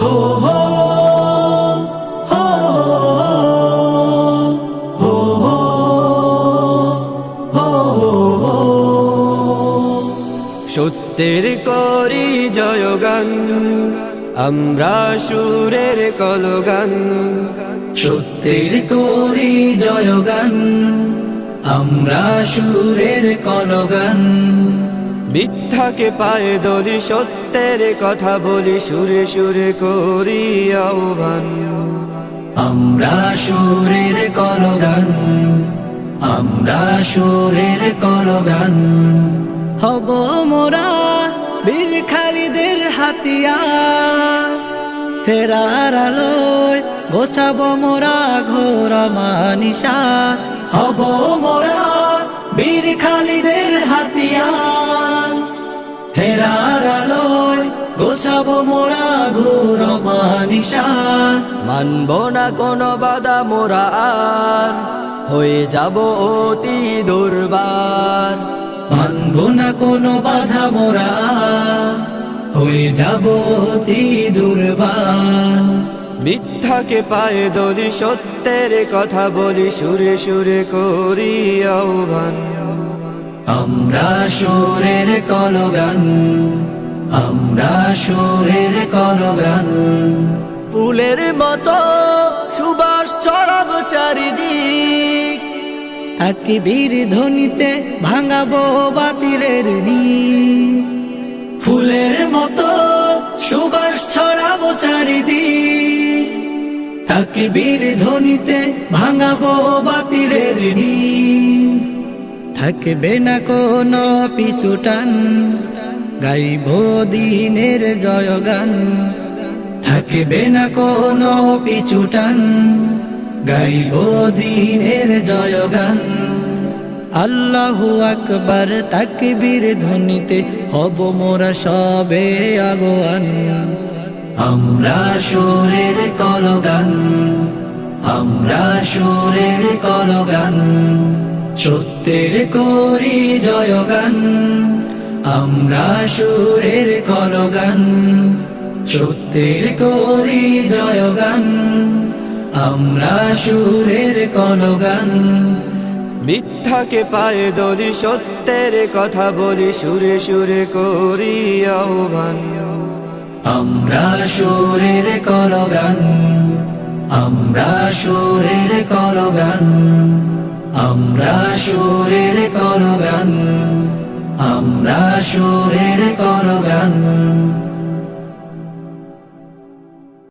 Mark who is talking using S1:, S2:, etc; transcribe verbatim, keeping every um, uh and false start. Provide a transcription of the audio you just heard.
S1: হো হো হো হো হো হো। সত্যের করি জয়গান, আমরা সুরের কলগান।
S2: সত্যের করি জয়গান, আমরা সুরের কলগান।
S1: মিথ্যাকে পায়ে দলি, সত্যের কথা বলি, সুরে সুরে করি আহ্বান।
S2: আমরা সুরের কলগান, আমরা সুরের কলগান। হব মোরা বীর খালিদের হাতিয়ার, হেরার আলোয় গোছাব মোরা ঘোর মানিসা। হব মোরা বীর খালিদের হাতিয়ার, হেরার আলোয় গোছাব মোরা ঘোর মানিসা।
S1: মানব না কোনো বাধা মোরা আর, হয়ে যাব অতি দুর্বার।
S2: মানব না কোনো বাধা মোরা, হয়ে যাব অতি দুর্বার।
S1: মিথ্যাকে পায়ে দলি, সত্যের কথা বলি, সুরে সুরে করি আহ্বান।
S2: আমরা সুরের কলগান, আমরা সুরের কলগান।
S1: ফুলের মতো সুবাস ছড়াব চারিদিক,
S2: তাকবীর ধ্বনিতে ভাঙাবো বাতিলের নীড়। ফুলের মতো সুবাস ছড়াবো চারিদিক, তাকবীর ধ্বনিতে ভাঙাবো বাতিলের নীড়। থাকবে না কোনো পিছুটান, গাইব দিনের জয়গান। থাকবে না কোনো পিছুটান, গাইব দিনের জয়গান। আল্লাহু আকবার তাকবীর ধ্বনিতে হব মোরা সবে আগোয়ান। আমরা সুরের কলগান, আমরা সুরের কলগান। সত্যের করি জয়গান, আমরা সুরের কলগান। সত্যের করি জয়গান, আমরা সুরের কলগান।
S1: মিথ্যাকে পায়ে দলি, সত্যের কথা বলি, সুরে সুরে করি আহ্বান।
S2: আমরা সুরের কলগান, আমরা সুরের কলগান। আমরা সুরের কলগান, আমরা সুরের কলগান।